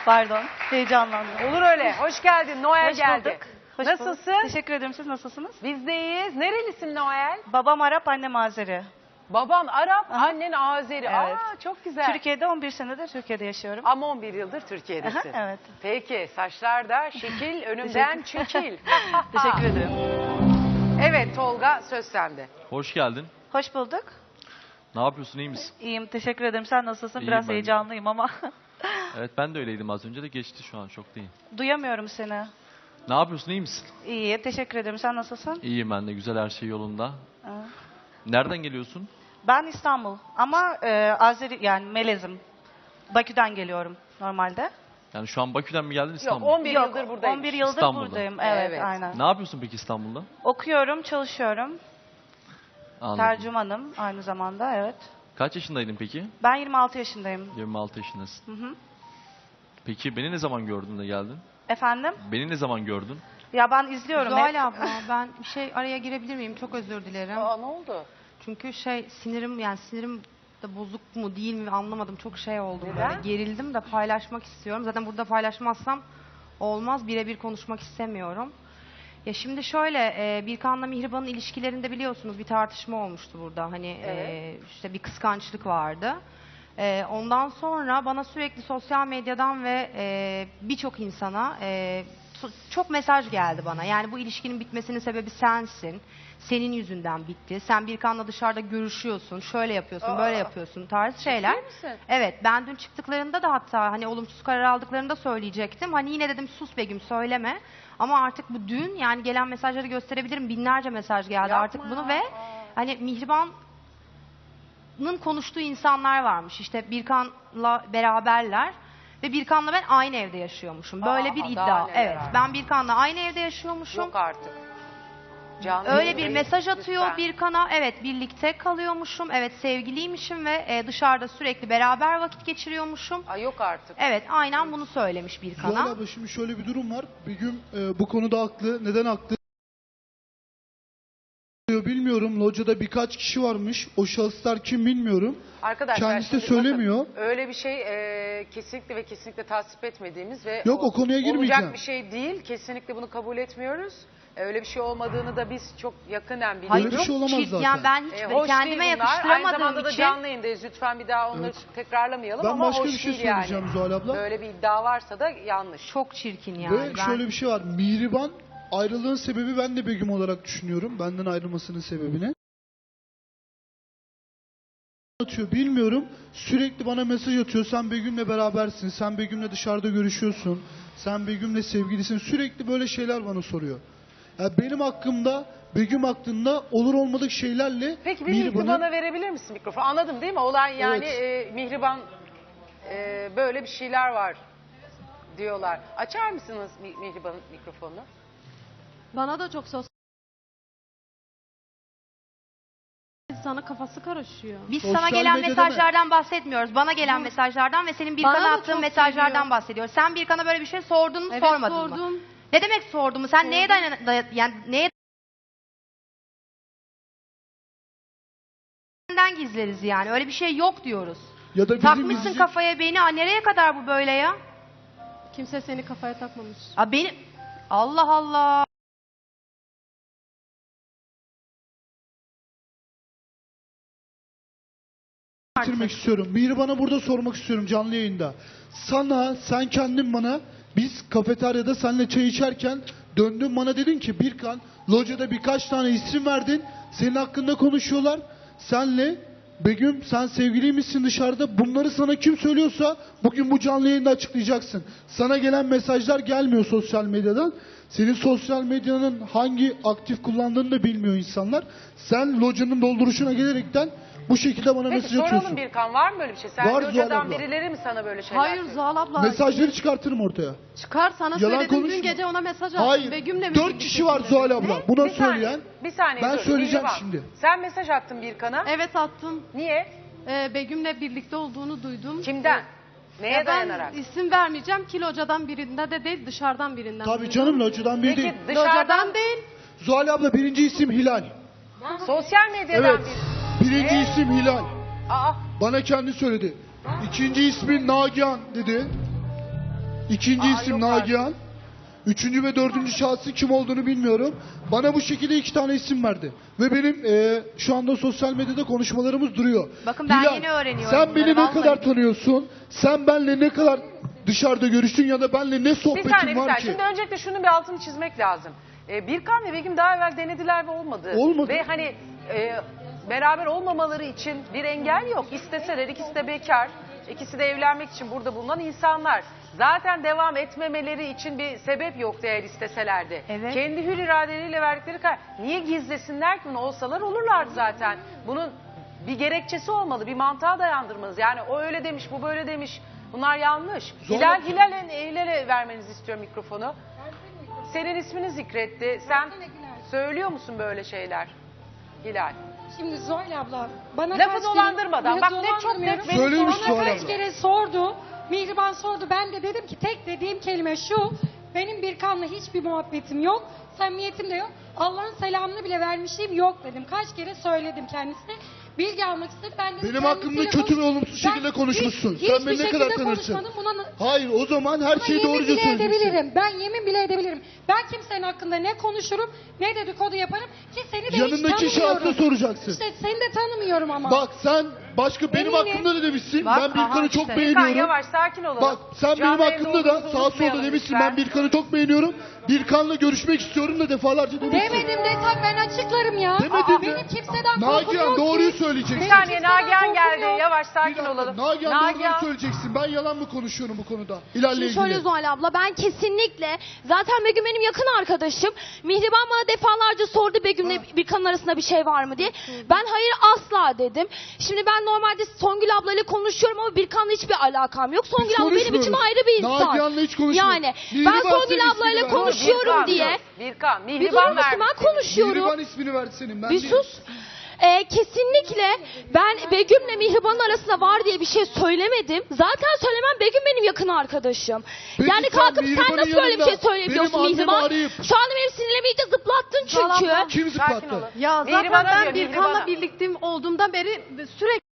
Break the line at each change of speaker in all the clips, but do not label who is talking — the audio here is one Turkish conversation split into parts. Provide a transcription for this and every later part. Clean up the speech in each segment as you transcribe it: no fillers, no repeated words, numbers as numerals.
Pardon, heyecanlandım.
Olur öyle. Hoş geldin. Noel
Hoş
geldi.
bulduk. Hoş
Nasılsın?
bulduk. Teşekkür ederim. Siz nasılsınız?
Biz de iyiyiz. Nerelisin Noel?
Babam Arap, annem Azeri.
Baban Arap, annen Azeri.
Evet.
Aa, çok güzel.
Türkiye'de 11 senedir Türkiye'de yaşıyorum.
Ama 11 yıldır Türkiye'desin.
Evet.
Peki, saçlar da şekil, önümden çekil.
Teşekkür ederim.
Evet Tolga, söz sende.
Hoş geldin.
Hoş bulduk.
Ne yapıyorsun, iyi misin?
İyiyim, teşekkür ederim. Sen nasılsın?
İyiyim
Biraz
ben de.
heyecanlıyım ama
Evet, ben de öyleydim az önce de geçti, şu an şoktayım.
duyamıyorum seni.
Ne yapıyorsun, iyi misin?
İyi, teşekkür ederim. Sen nasılsın?
İyiyim ben de, güzel, her şey yolunda.
Evet.
Nereden geliyorsun?
Ben İstanbul ama Azeri yani Melezim. Bakü'den geliyorum normalde.
Yani şu an Bakü'den mi geldin,
Yok,
İstanbul'a?
11 yıldır buradayım.
11 yıldır
İstanbul'da.
buradayım. Evet,
Evet.
aynen.
Ne yapıyorsun peki İstanbul'da?
Okuyorum, çalışıyorum.
Anladım.
Tercümanım aynı zamanda, evet.
Kaç yaşındaydın peki?
Ben 26 yaşındayım.
26 yaşındasın.
Hı hı.
Peki beni ne zaman gördün de geldin?
Efendim?
Beni ne zaman gördün?
Ya ben izliyorum hep.
Zuhal abla ben bir şey araya girebilir miyim? Çok özür dilerim.
Aa, ne oldu?
Çünkü sinirim de bozuk mu değil mi anlamadım. Çok şey oldu
Neden?
böyle. Gerildim de paylaşmak istiyorum. Zaten burada paylaşmazsam olmaz. Birebir konuşmak istemiyorum. Ya şimdi şöyle Birkan'la Mihriban'ın ilişkilerinde biliyorsunuz bir tartışma olmuştu burada. Hani
Evet.
işte bir kıskançlık vardı. Ondan sonra bana sürekli sosyal medyadan ve birçok insana çok mesaj geldi bana. Yani bu ilişkinin bitmesinin sebebi sensin. Senin yüzünden bitti. Sen Birkan'la dışarıda görüşüyorsun. Şöyle yapıyorsun, böyle yapıyorsun tarzı şeyler.
Ciddi misin?
Evet, ben dün çıktıklarında da hatta hani olumsuz karar aldıklarında söyleyecektim. Hani yine dedim sus Begüm söyleme. Ama artık bu dün yani gelen mesajları gösterebilirim. Binlerce mesaj geldi
Yapma
artık bunu
ya.
ve hani Mihriban'ın konuştuğu insanlar varmış. İşte Birkan'la beraberler ve Birkan'la ben aynı evde yaşıyormuşum. Böyle bir
Aa,
iddia.
daha neler
Evet,
var.
ben Birkan'la aynı evde yaşıyormuşum.
Yok artık. Canlı
Öyle bir
yayındayız,
mesaj atıyor
lütfen.
Birkan'a. Evet, birlikte kalıyormuşum. Evet, sevgiliymişim ve dışarıda sürekli beraber vakit geçiriyormuşum.
Aa, yok artık.
Evet, aynen bunu söylemiş
Zuhal
Birkan'a.
abla şimdi şöyle bir durum var. Begüm bu konuda haklı. Neden haklı? Bilmiyorum. Locada birkaç kişi varmış. O şahıslar kim bilmiyorum.
Arkadaşlar
Kendisi de
şimdi
söylemiyor.
bakın, öyle bir şey kesinlikle ve kesinlikle tasvip etmediğimiz ve
Yok, o konuya girmeyeceğim.
olacak bir şey değil. Kesinlikle bunu kabul etmiyoruz. Öyle bir şey olmadığını da biz çok yakından
Böyle
biliyoruz.
bir şey olamaz zaten.
Yani ben hiç
Hoş
kendime
değil bunlar. Aynı
yakıştıramadığım
zamanda da
için
canlı yayındayız. Lütfen bir daha onları
Evet.
tekrarlamayalım
Ben
ama
başka
hoş
bir şey
değil yani.
söyleyeceğim Zuhal abla.
Böyle bir iddia varsa da yanlış.
çok çirkin yani.
Ve
Ben-
şöyle bir şey var. Mihriban ayrılığın sebebi ben de Begüm olarak düşünüyorum. Benden ayrılmasının sebebini. Atıyor bilmiyorum. Sürekli bana mesaj atıyor. Sen Begüm'le berabersin. Sen Begüm'le dışarıda görüşüyorsun. Sen Begüm'le sevgilisin. Sürekli böyle şeyler bana soruyor. Ya benim hakkımda, Begüm hakkında olur olmadık şeylerle
Peki bir
Mihriban'ı-
Mihriban'a verebilir misin mikrofonu? Anladım değil mi? Olay yani
Evet.
Mihriban böyle bir şeyler var diyorlar. Açar mısınız Mihriban'ın mikrofonunu?
Bana da çok sosyal insanın kafası karışıyor.
Biz
Sosyal
sana gelen
medyada
mesajlardan bahsetmiyoruz. Bana gelen mesajlardan ve senin
Bana
Birkan'a
da
attığın
çok
mesajlardan
geliyor.
bahsediyoruz. Sen Birkan'a böyle bir şey sordun mu,
Evet,
sormadın mı?
sordum.
Ne demek sordun mu? Sen neye yani neye senden gizleriz yani. Öyle bir şey yok diyoruz.
ya da bizim
Takmışsın
izleyici-
kafaya beni. Aa, nereye kadar bu böyle ya?
Kimse seni kafaya takmamış.
Aa, beni Allah Allah.
bitirmek istiyorum. Mihriban'a burada sormak istiyorum canlı yayında. Sen kendin bana biz kafeteryada seninle çay içerken döndün bana dedin ki Birkan locada birkaç tane isim verdin. Senin hakkında konuşuyorlar. Senle Begüm sen sevgiliymişsin dışarıda. Bunları sana kim söylüyorsa bugün bu canlı yayında açıklayacaksın. Sana gelen mesajlar gelmiyor sosyal medyadan. Senin sosyal medyanın hangi aktif kullandığını da bilmiyor insanlar. Sen locanın dolduruşuna gelerekten bu şekilde bana
Peki
mesaj
soralım
atıyorsun.
Birkan, var mı böyle bir şey? Sen
Var
locadan
Zuhal abla.
birileri mi sana böyle şeyler
Hayır
söylüyor?
Zuhal abla.
Mesajları çıkartırım ortaya.
Çıkar sana
Yalan
söyledim
konuşma.
dün gece ona mesaj attım.
Hayır.
Begüm'le mi
4 kişi var
birliktesin
Zuhal
dedim.
abla. Buna
Bir saniye,
söyleyen.
bir saniye
Ben
dur,
söyleyeceğim
Mihriban.
şimdi.
Sen mesaj attın Birkan'a.
Evet attım.
Niye?
Begüm'le birlikte olduğunu duydum.
Kimden? Neye
Ya
dayanarak?
ben isim vermeyeceğim ki locadan birinde de değil dışarıdan birinden.
Tabii
duydum.
canım locadan biri
Peki
değil.
dışarıdan
Locadan değil.
Zuhal abla birinci isim Hilal.
sosyal medyadan
Evet. Birinci isim Hilal.
Aa,
Bana kendi söyledi. İkinci ismi Nagihan dedi. İkinci
Aa,
isim
yok
Nagihan. Üçüncü ve dördüncü şahsı kim olduğunu bilmiyorum. Bana bu şekilde 2 tane isim verdi. Ve benim şu anda sosyal medyada konuşmalarımız duruyor.
Bakın ben
Hilal,
yeni öğreniyorum
sen beni
bunları,
ne
vallahi.
kadar tanıyorsun? Sen benle ne kadar dışarıda görüştün ya da benle ne
Bir
sohbetin
saniye bir
var
saniye.
ki?
Şimdi öncelikle şunun bir altını çizmek lazım. Birkan ve Begüm daha evvel denediler ve olmadı.
Olmadı.
Ve hani beraber olmamaları için bir engel yok. İsteseler, ikisi de bekar. İkisi de evlenmek için burada bulunan insanlar. Zaten devam etmemeleri için bir sebep yoktu eğer isteselerdi.
Evet.
Kendi hür iradeleriyle verdikleri karar. Niye gizlesinler ki bunu? Olsalar olurlardı zaten. Bunun bir gerekçesi olmalı, bir mantığa dayandırmanız. Yani o öyle demiş, bu böyle demiş. Bunlar yanlış.
Zorla-
Hilal'e vermenizi istiyorum mikrofonu. Senin ismini zikretti. Sen söylüyor musun böyle şeyler? Hilal.
Şimdi Zuhal abla bana
Lafı
kaç
dolandırmadan.
kere,
Bak ne çok net
dolandırmıyorum.
benim
Söylemiş
sorunum.
Zuhal
Bana kaç
abla.
kere sordu. Mihriban sordu. Ben de dedim ki tek dediğim kelime şu. Benim Birkan'la hiçbir muhabbetim yok. Samimiyetim de yok. Allah'ın selamını bile vermişliğim yok dedim. Kaç kere söyledim kendisine. Bilgi almak istedi. Ben dedim,
Benim hakkımda
kendisiyle
kötü ve
konuş-
olumsuz
Ben
şekilde konuşmuşsun.
hiçbir
Sen beni ne
şekilde
kadar tanırsın?
konuşmadım. Buna
Hayır, o zaman her
Buna
şeyi
yemin
doğruca
bile
söyleyeceksin.
edebilirim. Ben yemin bile edebilirim. Ben kimsenin hakkında ne konuşurum ne dedikodu yaparım ki seni de hiç
Yanındaki
tanımıyorum.
şahsa soracaksın.
İşte seni de tanımıyorum ama.
Bak sen başka benim
Eminim.
hakkımda da demişsin.
Bak,
ben Birkan'ı
aha
çok
işte.
Birkan
beğeniyorum.
yavaş sakin olalım.
Bak sen
Canlı
benim
yayında
hakkımda da
olduğumuzu
sağ solda
unutmayalım
demişsin.
lütfen.
Ben Birkan'ı çok beğeniyorum. Birkan'la görüşmek istiyorum da defalarca demişsin.
Demedim desem ben açıklarım ya.
Demedin mi?
Benim kimseden korkum
Nagihan
yok
doğruyu
ki.
söyleyeceksin.
Bir saniye
kimseden
Nagihan
korkum
geldi.
yok.
Yavaş
Bir
sakin
dakika,
olalım.
Nagihan doğruyu söyleyeceksin. Ben yalan mı konuşuyorum bu konuda? Hilal'le
Şimdi
ilgili.
şöyle Zuhal abla, ben kesinlikle, zaten Begüm benim yakın arkadaşım. Mihriban bana defalarca sordu Begüm'le Birkan'ın arasında bir şey var mı diye. Ben hayır asla dedim. Şimdi ben normalde Songül ablayla konuşuyorum ama Birkan'la hiçbir alakam yok. Songül abla benim için
konuşmuyoruz.
ayrı bir insan.
Nagihan'la hiç konuşmuyoruz.
Yani
Mihriban
ben
senin
Songül
ismini
ablayla
verdi.
konuşuyorum
Birkan,
diye.
Birkan,
Bir
Mihriban
durur musun?
vermiş.
Ben konuşuyorum.
Mihriban ismini verdi senin. Ben
Bir
değilim.
sus. Kesinlikle ben Begüm'le Mihriban'ın arasında var diye bir şey söylemedim. Zaten söylemem, Begüm benim yakın arkadaşım.
Peki
yani
sen
kalkıp sen
Mihriban'ın
nasıl böyle bir
yanında
şey söyleyebiliyorsun
benim annemi
Mihriban?
arayıp-
Şu anda benim sinirlerimi iyice zıplattın çünkü.
Kim
Sakin
zıplattı?
olun.
Ya
Mihriban'a
zaten
diyor,
ben Birkan'la
Mihriban'a.
birlikte olduğumdan beri sürekli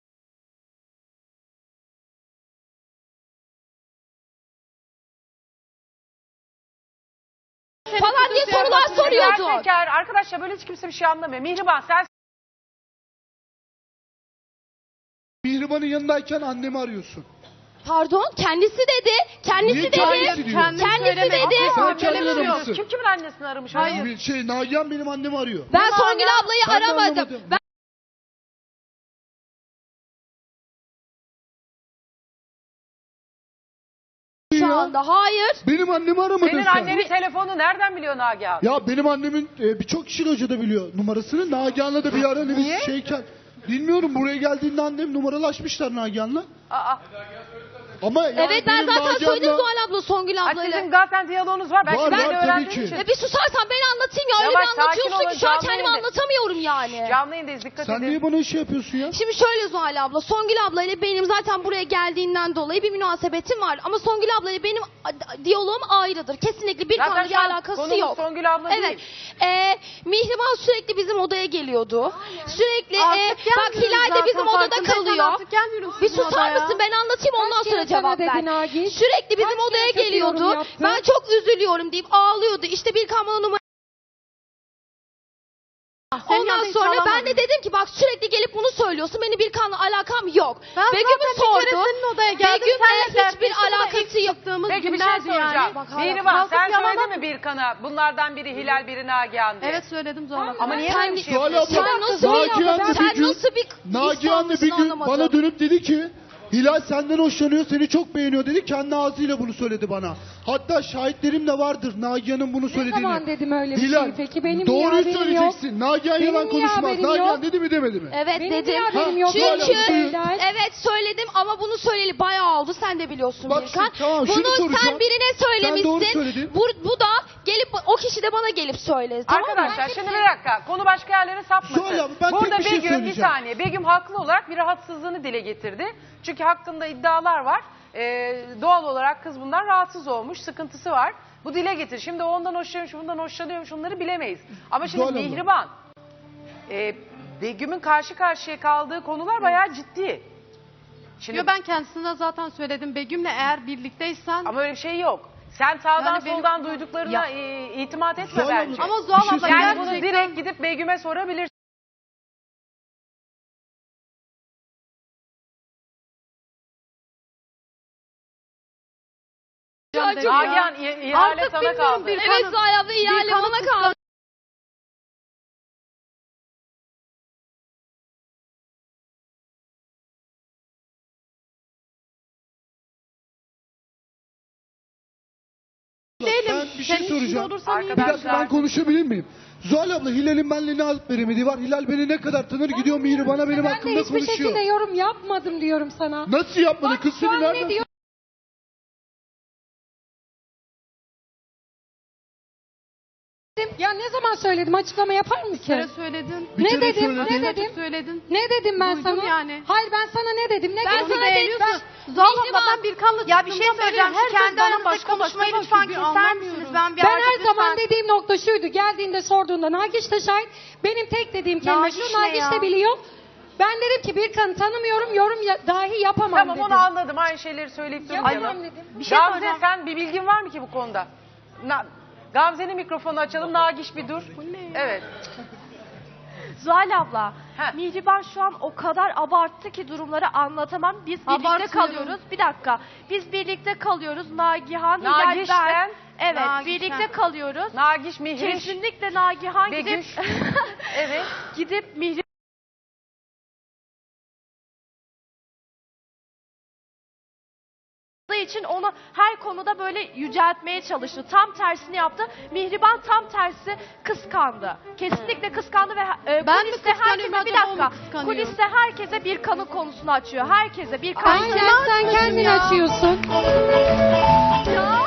Falan diye sorular
Hilal
soruyordun.
Peker, arkadaşlar böyle hiç kimse bir şey anlamıyor. Mihriban sen
Mihriban'ın yanındayken annemi arıyorsun.
Pardon, kendisi dedi. Kendisi
Niye
dedi.
kendisi diyor?
Kendisi
söylemedi.
dedi.
Sen
Böyle
kendin
bir şey yok.
aramışsın.
kim kimin annesini aramış?
Hayır.
Nagihan benim annemi arıyor.
Ben Songül ablayı
Ben de
aramadım.
anlamadım.
Ben şu anda hayır.
Benim annemi aramadın
Senin
sen.
annenin telefonu nereden biliyor Nagihan?
Ya benim annemin birçok kişi locada biliyor numarasını. Nagihan'la da bir ara hani biz şeyken. Bilmiyorum, buraya geldiğinde annem numaralaşmışlar Nagihan'la.
Aa,
Ama yani
Evet, ben
benim
zaten
Nagihan'la-
söyledim Zuhal abla Songül
ay,
ablayla.
sizin zaten diyaloğunuz var. Belki
Var,
ben
var,
de
tabii
öğrendiğim
ki.
için.
Bir susarsan ben anlatayım ya. Öyle
Yavaş,
bir
sakin
anlatıyorsun
olun,
ki şu an
canlı
kendimi
yayında.
anlatamıyorum yani.
Canlı yayındayız, dikkat
Sen
edin.
niye bana şey yapıyorsun ya?
Şimdi şöyle Zuhal abla, Songül ablayla benim zaten buraya geldiğinden dolayı bir münasebetim var. Ama Songül ablayla benim diyaloğum ayrıdır. Kesinlikle bir
Zaten
kanlı bir
şu an
alakası
konumuz
yok.
Songül abla
Evet.
değil.
Mihriban sürekli bizim odaya geliyordu. Sürekli
Artık
bak
gelmiyoruz
Hilal de
zaten,
bizim odada
farkındaysan
kalıyor.
artık gelmiyoruz
Bir
sizin
susar
odaya.
mısın? Ben anlatayım, ondan
Kaç
sonra
kere sana
cevap ver.
dedi Nagi?
Sürekli bizim
Kaç
odaya
kere kötü yorum
geliyordu.
yaptı?
Ben çok üzülüyorum deyip ağlıyordu. İşte bir bana numara.
Senin
Ondan
yanında hiç
sonra ben
ağlamadım.
de dedim ki bak sürekli gelip bunu söylüyorsun. Benim Birkan'la alakam yok.
Ben
Begüm'ü
zaten bir kere
sordu.
senin odaya geldim.
Begüm'le
Senle
hiçbir
dertleştim ama
alakası
ilk
yok.
çıktığımız
Peki bir şey
günlerdi
soracağım.
yani.
Bak, hala
Mihriban
kalkıp
sen
yalan
söyledin mi Birkan'a? Bunlardan biri Hilal, biri Nagihan diye.
Evet söyledim Zuhal abla.
Ama niye
Sen-
böyle bir şey
Zuhal
yapıyorsun?
abla,
Sen nasıl
Nagihan'la
sen
bir gün-
nasıl bir
Nagihan'la bir gün
anlamadım.
bana dönüp dedi ki Hilal senden hoşlanıyor, seni çok beğeniyor dedi. Kendi ağzıyla bunu söyledi bana. Hatta şahitlerim de vardır Nagihan'ın bunu
Ne
söylediğini.
zaman dedim öyle bir
Hilal,
şey peki? Benim niye
doğruyu
haberim
söyleyeceksin. Nagihan
Benim
yalan
niye
konuşmaz.
haberim
Nagihan
yok?
dedi mi demedi mi?
Evet
Benim
dedim.
niye haberim
Ha,
yok?
Zuhal abla,
Çünkü
buyur.
evet söyledim ama bunu söyleyeli bayağı oldu. Sen de biliyorsun
Bak
Birkan.
şimdi, tamam, şunu
Bunu sen
soracağım.
birine
Sen doğru
söylemişsin.
söyledin.
Bu da gelip o kişi de bana gelip söyledi. Tamam mı?
Arkadaşlar şimdi bir dakika. Konu başka yerlere sapmasın.
Zuhal abla, ben
Burada
tek bir şey
Begüm bir
söyleyeceğim.
saniye. Begüm haklı olarak bir rahatsızlığını dile getirdi. Çünkü hakkında iddialar var. Doğal olarak kız bundan rahatsız olmuş. Sıkıntısı var. Bu dile getir. Şimdi o ondan hoşlanıyormuş, bundan hoşlanıyormuş, onları bilemeyiz. Ama şimdi
Zuhal abla.
Mihriban, Begüm'ün karşı karşıya kaldığı konular bayağı ciddi. Şimdi,
Yo, ben kendisine zaten söyledim. Begüm'le eğer birlikteysen
ama öyle bir şey yok. Sen sağdan
Yani benim-
soldan duyduklarına itimat etme
Zuhal
bence.
abla,
Ama Zuhal
bir şey
abla
Yani bunu
gerçekten...
direkt gidip Begüm'e sorabilirsin. Nagihan ihale
Artık
sana
bilmiyorum,
kaldı.
bir
Evet Zuhal abla ihale
kanı
bana kaldı.
Ben bir şey soracağım. Bir dakika
Arkadaşlar
ben konuşabilir miyim? Zuhal abla Hilal'in benimle ne alıp veremediği var. Hilal beni ne kadar tanır gidiyor Mihriban'a benim
Ben de
hakkımda
hiçbir şekilde
konuşuyor.
yorum yapmadım diyorum sana.
Nasıl yapmadı?
Bak,
Kız
şu
seni
an ne
nereden...
diyor? Ya ne zaman söyledim, açıklama yapar
Bir kere
mısın?
söyledin.
Bir
Ne
kere
dedim,
söyledin.
ne dedim?
Söyledin.
Ne dedim ben
Duydum
sana?
yani.
Hayır ben sana ne dedim? Ne
Ben
dedim?
sana dedim.
Zuhal abla ben bir kanla Ya bir şey
çıktığımdan beri
söyleyeceğim. Şu
herkes
kendi
bana
aranızda
başka
konuşmayı
başka
lütfen
bakıyor, bir
keser
anlamıyorum.
misiniz? Ben bir
Ben
artık
her zaman
lütfen-
dediğim nokta şuydu. Geldiğinde sorduğunda Nagiş de şahit. Benim tek dediğim kelime
Nagiş
şu.
ne
Nagiş
ya?
de biliyor. Ben dedim ki bir kanı tanımıyorum, dahi yapamam
tamam
dedim.
onu anladım. Aynı şeyleri söyleyip durmayalım.
Yapamam dedim.
Bir şey
Gamze
söyleyeceğim.
sen bir bilgin var mı ki bu konuda? Gamze'nin mikrofonu açalım. Nagiş bir dur. Evet.
Zuhal abla,
Heh.
Mihriban şu an o kadar abarttı ki durumları anlatamam. Biz birlikte
Abartıyorum.
kalıyoruz. Bir dakika. Biz birlikte kalıyoruz. Nagihan, Hilal,
Nagiş'ten,
ben. Evet,
Nagiş'ten.
birlikte kalıyoruz.
Nagiş, Mihriş,
Kesinlikle Nagihan gidip
Begüş. Evet.
gidip Mihriban için onu her konuda böyle yüceltmeye çalıştı. Tam tersini yaptı. Mihriban tam tersi kıskandı. Kesinlikle kıskandı ve
Ben mi
kuliste
kıskanıyorum
herkese bir
acaba, o mu
dakika.
kıskanıyor?
Kuliste herkese bir kanı konusunu açıyor. Herkese bir kanı.
Aynen sen kendin açıyorsun.
Ya.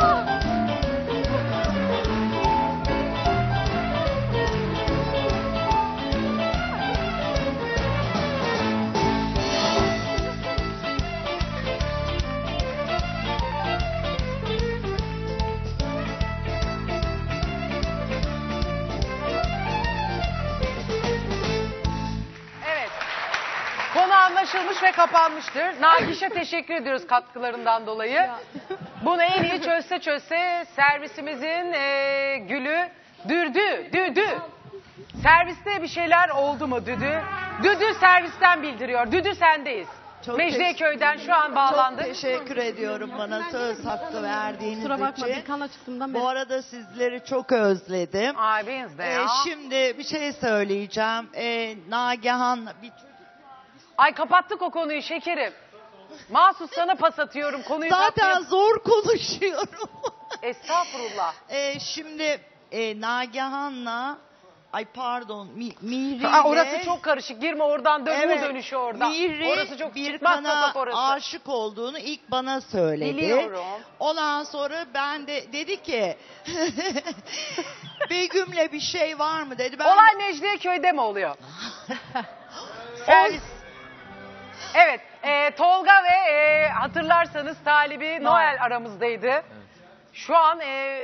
Evet. Konu anlaşılmış ve kapanmıştır. Nagiş'e teşekkür ediyoruz katkılarından dolayı. Bunu en iyi çözse servisimizin gülü Düdü. Serviste bir şeyler oldu mu Düdü? Düdü servisten bildiriyor. Düdü sendeyiz.
Çok
Mecidiyeköy'den şu an
Çok
bağlandık.
teşekkür ediyorum bana söz hakkı verdiğiniz
Kusura bakma bir
için.
kanla çıktığımdan beri.
Bu arada sizleri çok özledim.
Ay biz de ya.
Şimdi bir şey söyleyeceğim. Nagihan bir
Ay kapattık o konuyu şekerim. Mahsus sana pas atıyorum konuyu
zaten
kapatayım.
zor konuşuyorum.
Estağfurullah.
Şimdi Nagihan'la ay pardon Mihri
Aa,
ile-
orası çok karışık. Girme oradan dön
Evet,
dönüşü oradan.
Mihri
Orası çok
bir
çıkmaz
kana
sokak orası.
aşık olduğunu ilk bana söyledi.
Biliyorum.
Ondan sonra ben de dedi ki Begüm'le bir şey var mı dedi. Ben
Olay Mecidiyeköy'de mi oluyor? Servis. Evet. Tolga ve hatırlarsanız talibi Noel aramızdaydı. Şu an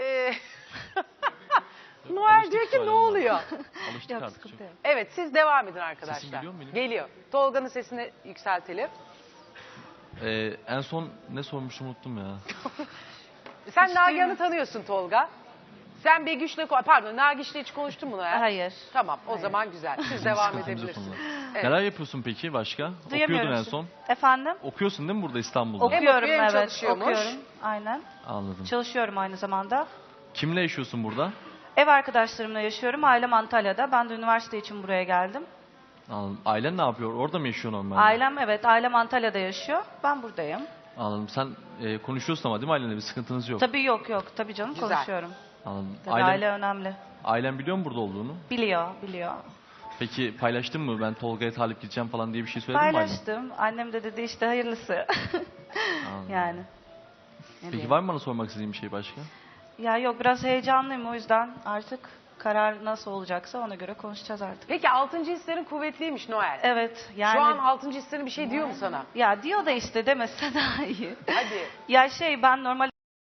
Noel
Alıştık
diyor ki
Zuhal
ne
Hanım'a.
oluyor?
Alıştık artık çok.
Evet siz devam edin arkadaşlar.
Sesim geliyor mu benim?
Geliyor. Tolga'nın sesini yükseltelim.
En son ne sormuştum unuttum ya.
Sen Nagihan'ı tanıyorsun Tolga. Sen Begüş'le pardon Nagiş'le hiç konuştun mu Noel?
Hayır.
Tamam o zaman güzel. Siz devam
Sıkıntımız yok
edebilirsiniz.
onunla.
Evet.
Neler yapıyorsun peki başka?
Duyamıyorum
Okuyordun en
sizi.
son.
Efendim?
Okuyorsun değil mi burada İstanbul'da?
Okuyorum
okuyor, hem
evet.
çalışıyormuş.
Okuyorum. Aynen.
Anladım.
Çalışıyorum aynı zamanda.
Kimle yaşıyorsun burada?
Ev arkadaşlarımla yaşıyorum. Ailem Antalya'da. Ben de üniversite için buraya geldim.
Anladım. Ailen ne yapıyor? Orada mı yaşıyorsun normalde?
Ailem Antalya'da yaşıyor. Ben buradayım.
Anladım. Sen konuşuyorsun ama değil mi ailenle? Bir sıkıntınız yok.
Tabii yok. Tabii canım
Güzel.
konuşuyorum.
Anladım.
Tabii aile önemli.
Ailen biliyor mu burada olduğunu?
Biliyor.
Peki paylaştın mı? Ben Tolga'ya talip gideceğim falan diye bir şey söyledin mi ailen?
Paylaştım. Annem de dedi işte hayırlısı.
Anladım.
Yani.
Peki var mı bana sormak istediğin bir şey başka?
Ya yok biraz heyecanlıyım o yüzden artık karar nasıl olacaksa ona göre konuşacağız artık.
Peki 6. hislerin kuvvetliymiş Noel.
Evet yani.
Şu an 6. hislerin bir şey diyor mu sana?
Ya diyor da işte demese daha iyi.
Hadi.
Ya ben normal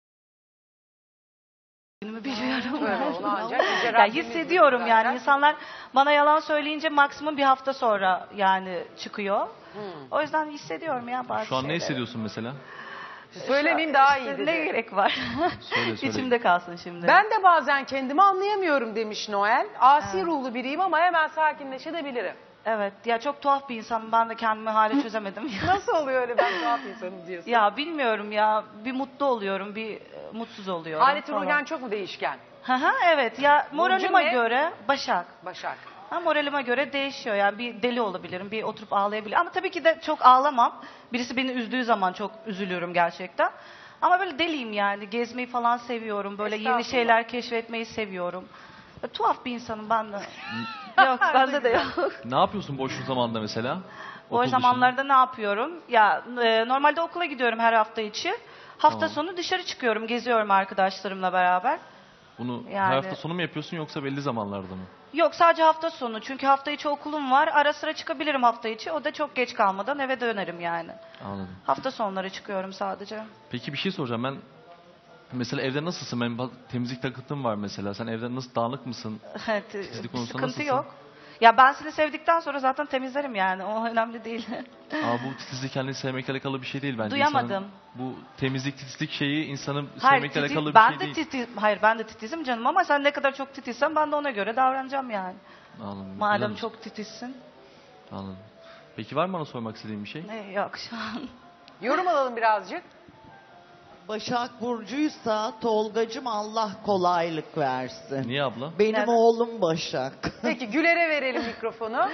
biliyorum.
Böyle onu ancak Yüce
Ya
Rabbimiz
hissediyorum
bilir
yani
zaten.
insanlar bana yalan söyleyince maksimum bir hafta sonra yani çıkıyor. O yüzden hissediyorum ya bazı
Şu an ne
şeyleri.
hissediyorsun mesela?
Söylemeyeyim daha iyi
İşte
dedi.
ne gerek var?
Söyle.
İçimde kalsın şimdi.
Ben de bazen kendimi anlayamıyorum demiş Noel. Asi ruhlu biriyim ama hemen sakinleşebilirim.
Evet ya çok tuhaf bir insanım. Ben de kendimi hala çözemedim.
Nasıl oluyor öyle ben tuhaf insanım diyorsun?
Ya bilmiyorum ya. Bir mutlu oluyorum, bir mutsuz oluyorum.
Halit
falan.
Rugen çok mu değişken?
Evet ya moralime
ne?
göre Başak.
Başak.
Moralime göre değişiyor yani bir deli olabilirim, bir oturup ağlayabilirim. Ama tabii ki de çok ağlamam. Birisi beni üzdüğü zaman çok üzülüyorum gerçekten. Ama böyle deliyim yani. Gezmeyi falan seviyorum. Böyle yeni
Estağfurullah.
şeyler keşfetmeyi seviyorum. Tuhaf bir insanım ben de. Yok bende de yok.
Ne yapıyorsun boş zamanda mesela?
Boş
Okul
zamanlarda ne yapıyorum? Ya normalde okula gidiyorum her hafta içi. Hafta
Tamam.
sonu dışarı çıkıyorum, geziyorum arkadaşlarımla beraber.
Bunu
Yani-
her hafta sonu mu yapıyorsun yoksa belli zamanlarda mı?
Yok sadece hafta sonu. Çünkü hafta içi okulum var. Ara sıra çıkabilirim hafta içi. O da çok geç kalmadan eve dönerim yani.
Anladım.
Hafta sonları çıkıyorum sadece.
Peki bir şey soracağım. Ben mesela evde nasılsın? Benim temizlik takıntım var mesela. Sen evde nasıl dağınık mısın?
Evet,
Titizlik
bir
konusunda
sıkıntı
nasılsın?
yok. Ya ben seni sevdikten sonra zaten temizlerim yani. O önemli değil.
Ama bu titizlik kendini sevmekle alakalı bir şey değil bence.
Duyamadım.
İnsanın bu temizlik, titizlik şeyi insanı
Hayır,
sevmekle
titiz,
alakalı bir
ben
şey
de
değil.
titiz, hayır ben de titizim canım ama sen ne kadar çok titizsen ben de ona göre davranacağım yani.
Anladım.
Madem
Güzelmiş.
çok titizsin.
Anladım. Peki var mı bana sormak istediğin bir şey?
Yok şu an.
Yorum alalım birazcık.
Başak Burcu'ysa Tolgacım Allah kolaylık versin.
Niye abla?
Benim
Neden?
oğlum Başak.
Peki Güler'e verelim mikrofonu.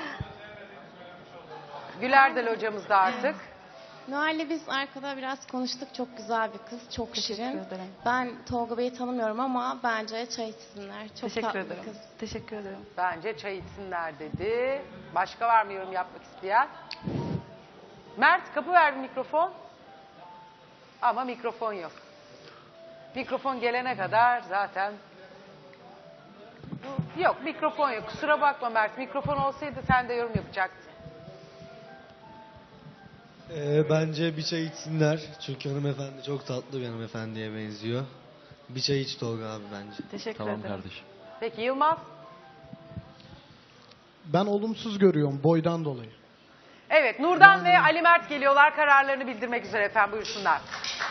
Güler de locamızda artık.
Noel'le biz arkada biraz konuştuk. Çok güzel bir kız. Çok
Teşekkür
şirin.
ederim.
Ben Tolga Bey'i tanımıyorum ama bence çay içsinler. Çok
Teşekkür
tatlı
ederim.
bir kız.
Teşekkür ederim.
Bence çay içsinler dedi. Başka var mı yorum yapmak isteyen? Mert kapı ver bir mikrofon. Ama mikrofon yok. Mikrofon gelene kadar zaten... Yok mikrofon yok. Kusura bakma Mert. Mikrofon olsaydı sen de yorum yapacaktın.
Bence bir çay içsinler. Çünkü hanımefendi çok tatlı bir hanımefendiye benziyor. Bir çay iç Tolga abi bence.
Teşekkür
Tamam
ederim.
kardeşim.
Peki Yılmaz?
Ben olumsuz görüyorum boydan dolayı.
Evet Nurdan ve Ali Mert geliyorlar. Kararlarını bildirmek üzere efendim. Buyursunlar.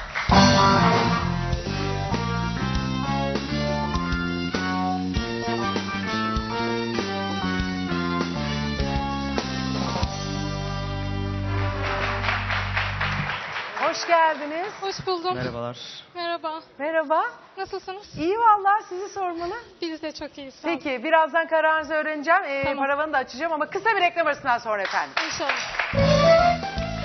Hoş geldiniz.
Hoş buldum.
Merhabalar.
Merhaba.
Merhaba.
Nasılsınız?
İyi vallahi sizi sormalı.
Biz de çok iyiyiz. Sağ olun.
Peki birazdan kararınızı öğreneceğim.
Tamam.
Paravanı da açacağım ama kısa bir reklam arasından sonra efendim.
İnşallah.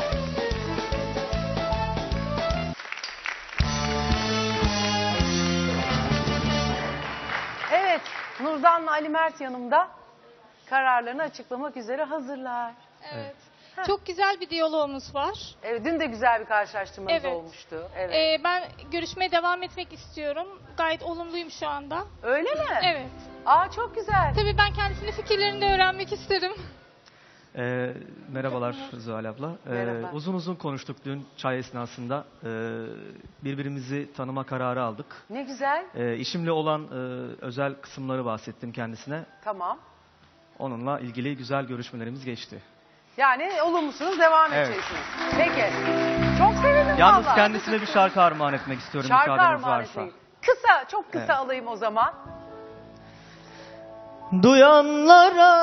Evet Nurdan'la Ali Mert yanımda. Kararlarını açıklamak üzere hazırlar.
Evet. Çok güzel bir diyalogumuz var.
Evet, dün de güzel bir karşılaştırmamız
Evet.
olmuştu. Evet.
Ben görüşmeye devam etmek istiyorum. Gayet olumluyum şu anda.
Öyle mi?
Evet.
Aa çok güzel.
Tabii ben kendisinin fikirlerini de öğrenmek isterim.
Merhabalar Zuhal abla.
Merhaba.
Uzun uzun konuştuk dün çay esnasında. Birbirimizi tanıma kararı aldık.
Ne güzel.
İşimle olan özel kısımları bahsettim kendisine.
Tamam.
Onunla ilgili güzel görüşmelerimiz geçti.
Yani olumlusunuz, devam
Evet.
edeceksiniz. Peki. Çok sevindim
Yalnız
vallahi.
kendisine bir şarkı armağan etmek istiyorum
Şarkı
müsaadeniz
armağan
varsa.
etmeyin. Kısa, çok kısa
Evet.
alayım o zaman.
Duyanlara,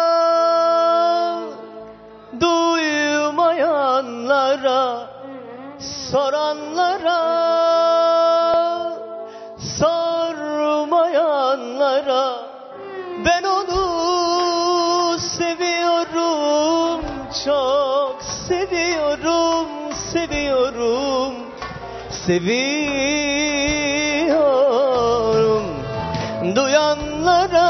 duymayanlara, soranlara, sormayanlara, ben onu seviyorum, çok seviyorum, seviyorum, seviyorum. Duyanlara,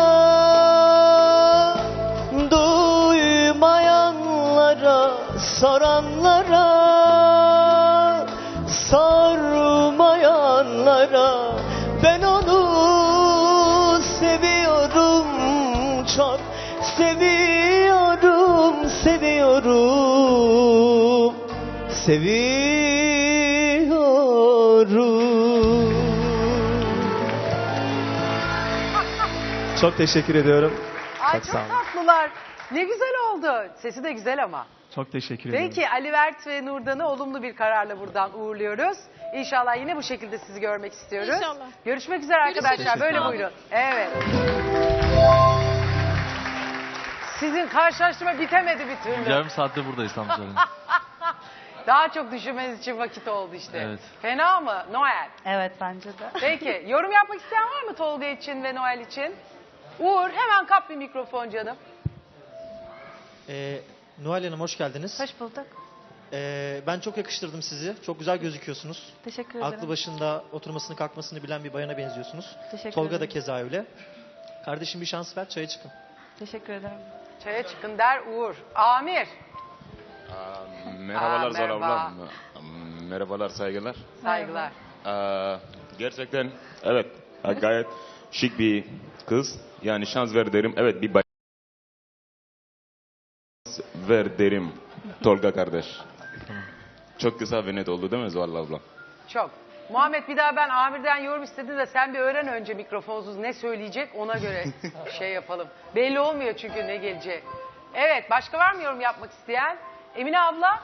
duymayanlara, soranlara, sormayanlara, ben onu seviyorum, çok seviyorum, seviyorum, seviyorum. Çok teşekkür ediyorum.
Ay
Çok
çok
sağ olun.
tatlılar. Ne güzel oldu. Sesi de güzel ama.
Çok teşekkür ederim.
Peki Ali Mert ve Nurdan'ı olumlu bir kararla buradan uğurluyoruz. İnşallah yine bu şekilde sizi görmek istiyoruz.
İnşallah.
Görüşmek üzere arkadaşlar.
Görüşürüz.
Böyle
Sağ olun.
buyurun. Evet. Sizin karşılaştırma bitemedi bir türlü.
Yarım saatte buradayız tam söyleyeyim.
Daha çok düşünmeniz için vakit oldu işte.
Evet.
Fena mı Noel?
Evet bence de.
Peki yorum yapmak isteyen var mı Tolga için ve Noel için? Uğur hemen kap bir mikrofon canım.
Noel Hanım hoş geldiniz.
Hoş bulduk.
Ben çok yakıştırdım sizi. Çok güzel gözüküyorsunuz.
Teşekkür ederim.
Aklı başında oturmasını kalkmasını bilen bir bayana benziyorsunuz.
Teşekkür
Tolga da
ederim.
keza öyle. Kardeşim bir şans ver, çaya çıkın.
Teşekkür ederim.
Çaya çıkın der Uğur. Amir.
Merhabalar Zara
merhaba.
ablam. Merhabalar, saygılar.
Saygılar.
Gerçekten evet gayet şık bir kız. Yani şans ver derim. Evet bir ver derim Tolga kardeş. Çok kısa ve net oldu değil mi Zuhal abla?
Çok. Muhammed bir daha ben Amir'den yorum istedim de sen bir öğren önce mikrofonsuz ne söyleyecek ona göre şey yapalım. Belli olmuyor çünkü ne gelecek. Evet başka var mı yorum yapmak isteyen? Emine abla?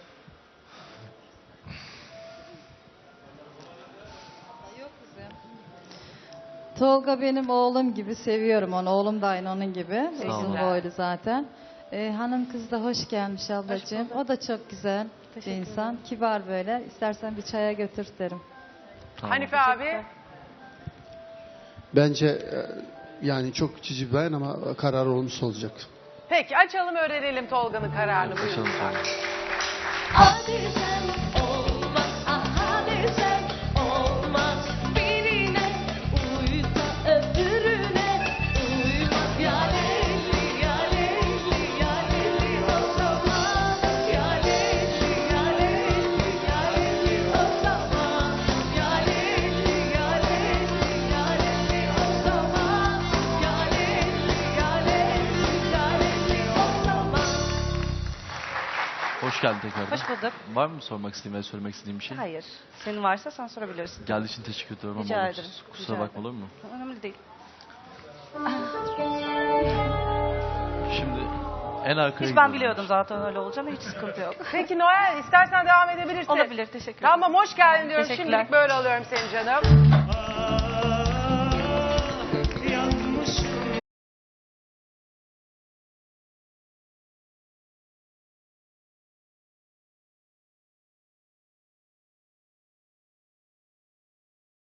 Tolga benim oğlum gibi seviyorum onu. Oğlum da aynı onun gibi.
Sağ olun.
Uzun boylu zaten. Hanım kız da hoş gelmiş ablacığım. O da çok güzel bir insan. Kibar böyle. İstersen bir çaya götür derim.
Hanife abi?
Bence yani çok cici bir bayan ama karar olmuş olacak.
Peki açalım öğrenelim Tolga'nın kararını. Buyurun.
Hadi sen olmaz, hadi sen olmaz. Birine uysa öbürüne uymaz. Ya Leyli, ya Leyli, ya Leyli o zaman. Ya Leyli, ya Leyli, ya Leyli o zaman. Ya Leyli, ya Leyli, ya Leyli o zaman. Ya Leyli, ya Leyli, ya Leyli o zaman.
Hoş geldin tekrardan.
Hoş bulduk.
Var mı sormak istediğin veya söylemek istediğin bir şey?
Hayır. Senin varsa sen sorabilirsin.
Geldiği için teşekkür ediyorum
Rica
ama
ederim.
kusura
Rica
bakma olur mu?
Önemli değil.
Şimdi en arkaya
Hiç ben
gidiyorum.
biliyordum zaten öyle olacağını. Hiç sıkıntı yok.
Peki Noel istersen devam edebilirsin.
Olabilir. Teşekkür ederim.
Tamam hoş geldin diyorum.
Teşekkürler.
Şimdilik böyle alıyorum seni canım.